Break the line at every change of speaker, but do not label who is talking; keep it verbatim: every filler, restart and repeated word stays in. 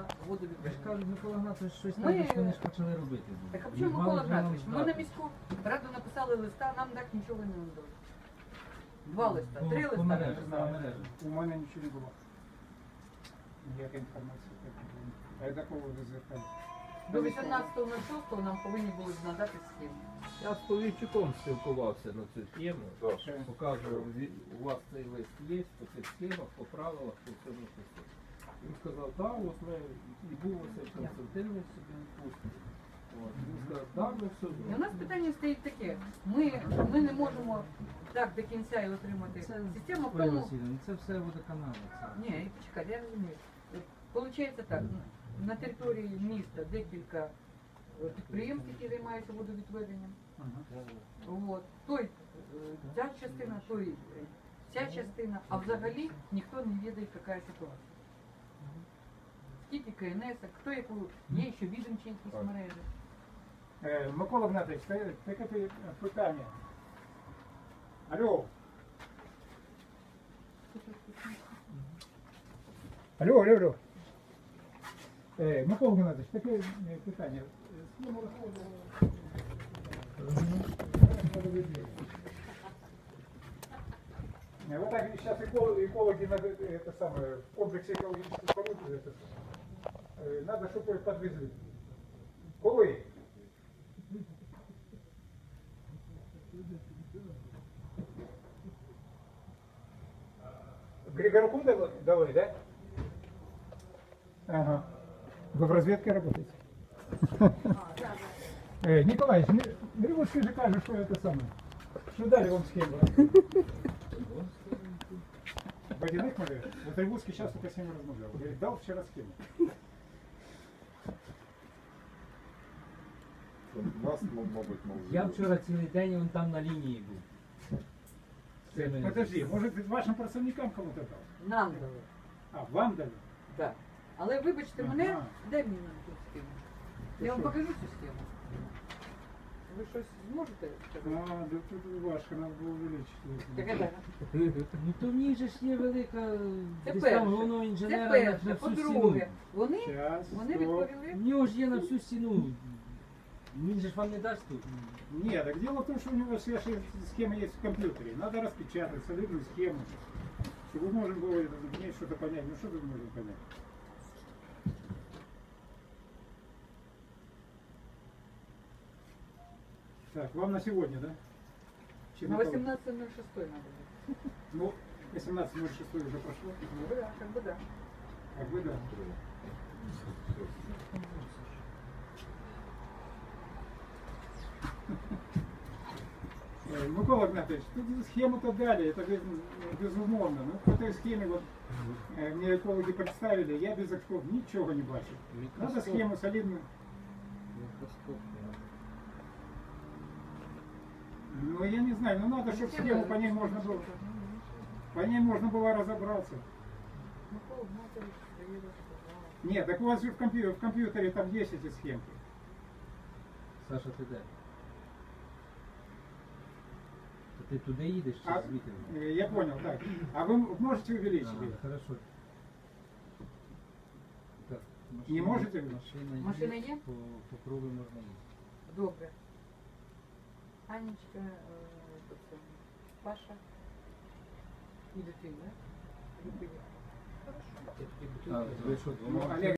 на
Я ж
водовідведення.
кажу, Микола Гнатович щось
Ми-
там, що вони ж почали робити.
Так а
І
чому
мали
Микола
вже нам
Гнатович? Ми
здати.
на міську раду написали листа, нам так нічого не надали. Два листа,
По-
три
по
листа.
мережі,
не
по
знаю.
мережі.
У мене нічого не було. Ніяка інформація. А я такого ви звертали?
До вісімнадцятого шостого нам повинні були надати схему.
Я з Повійчуком спілкувався на цю тему,
Ще.
показував, «Ві- у вас цей лист є по цих схемах, по правилах, по цьому все. Він сказав, так, от ми і був Василь Константинович собі відпустив. От, Він сказав, так, ми все
І у
зробимо.
нас питання стоїть таке. Ми, ми не можемо так до кінця і отримати
Це,
систему в
Ольга
тому.
Васильівна, це все водоканали. Це.
Ні, почекайте, я розумію. Получається так, на території міста декілька е, підприємств, які займаються водовідведенням. От. Той, е, ця частина, той, е, ця частина, а взагалі ніхто не відає, яка ситуація. Скільки КНС, хто яку, є ще відомчі якісь мережі.
Е, Микола Гнатович, таке таке пи- питання. Алло. Алло, алло, алло. Е, Микола Гнатович, таке е, питання. Е, Схему розходу. Э, Вот так сейчас экологи, экологи надо, это самое, в комплексе экологических споруд, это, э, надо, чтобы подвезли. Коли? Григорку дали, дали, да? Ага. Вы в разведке работаете? Э, Николаевич, Григорский же кажет, что это самое. Что дали вам схему? Водяных моделей? Вот Ригурский сейчас только с ними размовлял. Говорит, дал вчера схему.
Нас, мабуть, мов.
Я вчора цілий день он там на лінії був. З цими-
Подожди, может вашим працівникам кому-то дал?
Нам дали.
А, вам дали?
Так. Але вибачте мене,
Ага.
дай мені нам цю схему. Я вам покажу цю схему. Ви щось зможете
А,
сказати?
да тут важко, надо было увеличить.
Яка дата?
Ну то в ній же ж є велика
Це
десь
перше.
там головного
Це
інженера на,
перше.
на всю
По-друге,
стіну.
вони,
Сейчас,
вони
стоп.
відповіли.
В нього ж є на всю стіну. Він же ж вам не дасть тут.
Нет, так дело в том, что у него все схемы есть в компьютере. Надо распечатать солидную схему, чтобы можно было это, мне что-то понять. Ну что тут можно понять? Так, вам на сегодня, да? Чи
На
на кого?
восемнадцатое ноль шестое надо было.
Ну, восемнадцать ноль шесть уже прошло.
Ну да, как бы да.
Как бы да. Э, Микола Гнатович, тут схему-то дали, это без- безумовно. Ну, по той схеме вот э, мне экологи представили, я без очков ничего не бачу. Надо схему солидную. Ну, я не знаю, ну надо, чтобы схему по ней можно было, по ней можно было разобраться.
Микола Гнатович приїде, сказала.
Нет, так у вас же в компьютере, в компьютере там есть эти схемки.
Саша, ти де? То ти туди їдеш чи
А,
звідти?
э, я понял, так. А вы можете увеличить
Ага,
ее?
хорошо. Так,
Не можете?
Машина є.
Машина є?
По, по кругу можна їсти.
Добре. Анечка, е, хто це? Паша і дитина. Дитина.
А, ви що,
Ну, Олег